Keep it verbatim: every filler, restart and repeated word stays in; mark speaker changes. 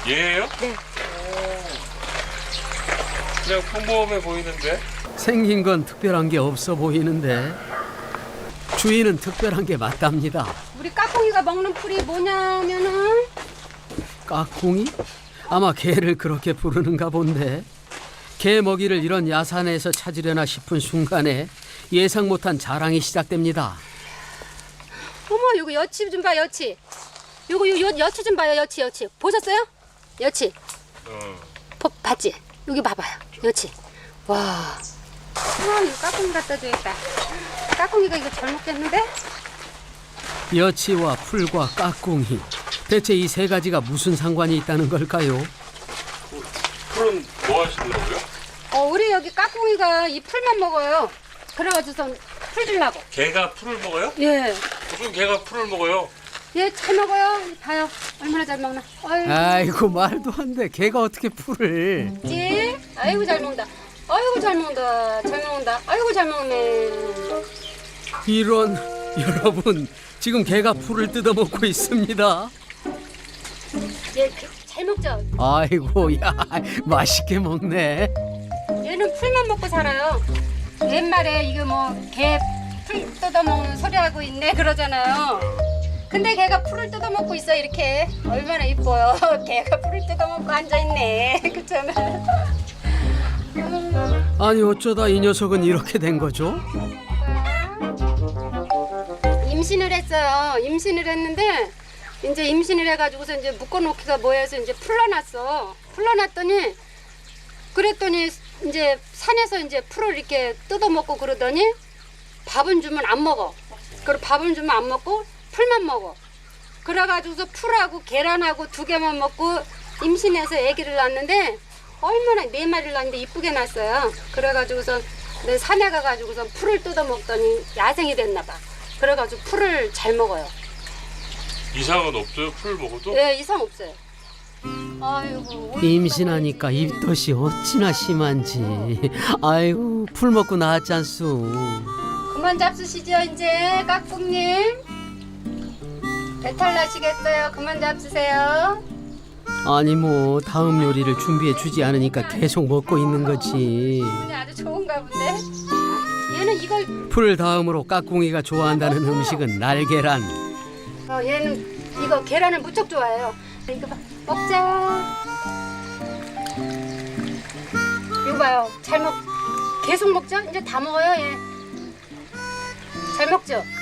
Speaker 1: 얘예요?
Speaker 2: 네.
Speaker 1: 그냥 평범해 보이는데?
Speaker 3: 생긴 건 특별한 게 없어 보이는데 주인은 특별한 게 맞답니다.
Speaker 2: 우리 까꿍이가 먹는 풀이 뭐냐면은
Speaker 3: 까꿍이? 아마 개를 그렇게 부르는가 본데 개 먹이를 이런 야산에서 찾으려나 싶은 순간에 예상 못한 자랑이 시작됩니다.
Speaker 2: 어머 요거 여치 좀 봐 여치. 요거 요, 요 여치 좀 봐요 여치 여치. 보셨어요? 여치.
Speaker 1: 어.
Speaker 2: 보, 봤지? 여기 봐봐요 여치. 와. 아 이거 까꿍이 갖다 줘야겠다. 까꿍이가 이거 잘 먹겠는데?
Speaker 3: 여치와 풀과 까꿍이 대체 이 세 가지가 무슨 상관이 있다는 걸까요?
Speaker 1: 풀은 뭐 하시려고요?
Speaker 2: 어 우리 여기 까꿍이가 이 풀만 먹어요. 그래가지고선 풀 주려고.
Speaker 1: 개가 풀을 먹어요?
Speaker 2: 예.
Speaker 1: 무슨 개가 풀을 먹어요?
Speaker 2: 얘 잘 먹어요. 봐요. 얼마나 잘 먹나. 아이고.
Speaker 3: 아이고 말도 안 돼. 개가 어떻게 풀을.
Speaker 2: 지? 아이고 잘 먹는다. 아이고 잘 먹는다. 잘 먹는다. 아이고 잘 먹네.
Speaker 3: 이런 여러분 지금 개가 풀을 뜯어먹고 있습니다.
Speaker 2: 얘 잘 먹죠?
Speaker 3: 아이고 야 맛있게 먹네.
Speaker 2: 얘는 풀만 먹고 살아요. 옛말에 이거 뭐 개 풀 뜯어먹는 소리 하고 있네 그러잖아요. 근데 걔가 풀을 뜯어먹고 있어 이렇게. 얼마나 이뻐요. 걔가 풀을 뜯어먹고 앉아있네. 그렇잖아.
Speaker 3: 아니 어쩌다 이 녀석은 이렇게 된 거죠?
Speaker 2: 임신을 했어요. 임신을 했는데 이제 임신을 해가지고서 이제 묶어놓기가 뭐해서 이제 풀러났어. 풀러났더니 그랬더니 이제 산에서 이제 풀을 이렇게 뜯어먹고 그러더니 밥은 주면 안 먹어. 그리고 밥은 주면 안 먹고 풀만 먹어. 그래가지고서 풀하고 계란하고 두 개만 먹고 임신해서 아기를 낳았는데 얼마나 네 마리를 낳았는데 이쁘게 낳았어요. 그래가지고서 내 산에 가가지고서 풀을 뜯어먹더니 야생이 됐나 봐. 그래가지고 풀을 잘 먹어요.
Speaker 1: 이상은 없어요? 풀 먹어도?
Speaker 2: 네, 이상 없어요. 아이고.
Speaker 3: 임신하니까 입덧이 어찌나 심한지. 아이고 풀 먹고 나왔지 않소.
Speaker 2: 그만 잡수시죠 이제 까꿍님. 배탈 나시겠어요. 그만 잡수세요.
Speaker 3: 아니 뭐 다음 요리를 준비해 주지 않으니까 계속 먹고 있는 거지.
Speaker 2: 기분이 아주 좋은가 본데. 얘는 이걸
Speaker 3: 풀 다음으로 까꿍이가 좋아한다는 음식은 날계란.
Speaker 2: 어, 얘는 이거 계란을 무척 좋아해요. 이거 봐. 먹자. 이거 봐요. 잘 먹. 계속 먹죠? 이제 다 먹어요 얘. 잘 먹죠?